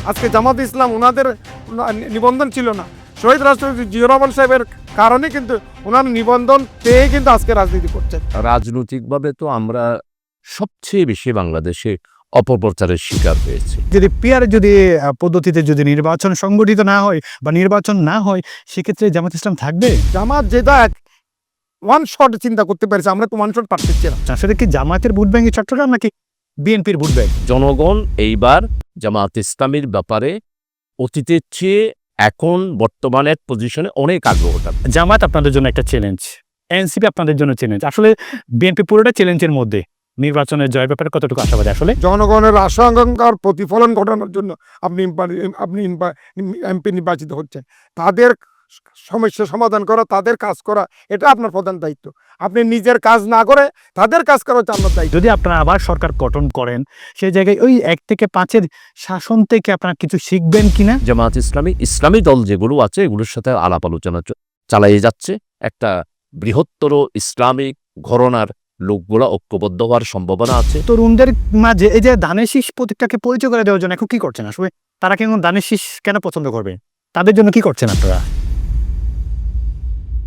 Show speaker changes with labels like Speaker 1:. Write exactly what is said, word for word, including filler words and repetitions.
Speaker 1: আজকে জামাত ইসলাম ওনাদের নিবন্ধন ছিল না, শহীদ রাষ্ট্রপতি জিয়াউর রহমান সাহেবের কারণে কিন্তু ওনার নিবন্ধন পেয়ে কিন্তু আজকে রাজনীতি করছেন।
Speaker 2: রাজনৈতিকভাবে তো আমরা সবচেয়ে বেশি বাংলাদেশে অপপ্রচারের শিকার হয়েছে।
Speaker 3: যদি পিয়ার যদি আহ, পদ্ধতিতে যদি নির্বাচন সংগঠিত না হয় বা নির্বাচন না হয়, সেক্ষেত্রে জামাত ইসলাম থাকবে।
Speaker 1: জামাত যেটা ওয়ান শট চিন্তা করতে পেরেছে, আমরা তো ওয়ান শট পারতেছি না।
Speaker 3: আসলে কি জামাতের ভোট ব্যাংক চট্টগ্রাম নাকি বিএনপির ভোট ব্যাংক?
Speaker 2: জনগণ এইবার জামাত ইসলামীর ব্যাপারে অতীতের চেয়ে এখন বর্তমানের পজিশনে অনেক আগ্রহটা।
Speaker 3: জামাত আপনাদের জন্য একটা চ্যালেঞ্জ, এনসিপি আপনাদের জন্য চ্যালেঞ্জ, আসলে বিএনপি পুরোটা চ্যালেঞ্জের মধ্যে। নির্বাচনের জয়ের ব্যাপারে কতটুকু আশাবাদী? আসলে
Speaker 1: জনগণের আশা আকাঙ্ক্ষার প্রতিফলন ঘটানোর জন্য আপনি আপনি এমপি নির্বাচিত হচ্ছেন। তাদের সমস্যা সমাধান করা, তাদের কাজ করা, এটা আপনার প্রধান দায়িত্ব। আপনি নিজের কাজ না করে তাদের কাজ করা হচ্ছে আপনার দায়িত্ব।
Speaker 3: যদি আপনারা আবার সরকার গঠন করেন, সেই জায়গায় ওই এক থেকে পাঁচের শাসন থেকে আপনারা কিছু শিখবেন কিনা?
Speaker 2: জামাত ইসলামী ইসলামী দল যেগুলো আছে এগুলোর সাথে আলাপ আলোচনা চ- চালিয়ে যাচ্ছে। একটা বৃহত্তর ইসলামিক ঘরানার লোকগুলা ঐক্যবদ্ধ হওয়ার সম্ভাবনা আছে।
Speaker 3: তরুণদের মাঝে এই যে ধানের শীষ প্রতীকটাকে পরিচয় করে দেওয়ার জন্য এখন কি করছেন? আসলে তারা কেন ধানের শীষ কেন পছন্দ করবে? তাদের জন্য কি করছেন আপনারা?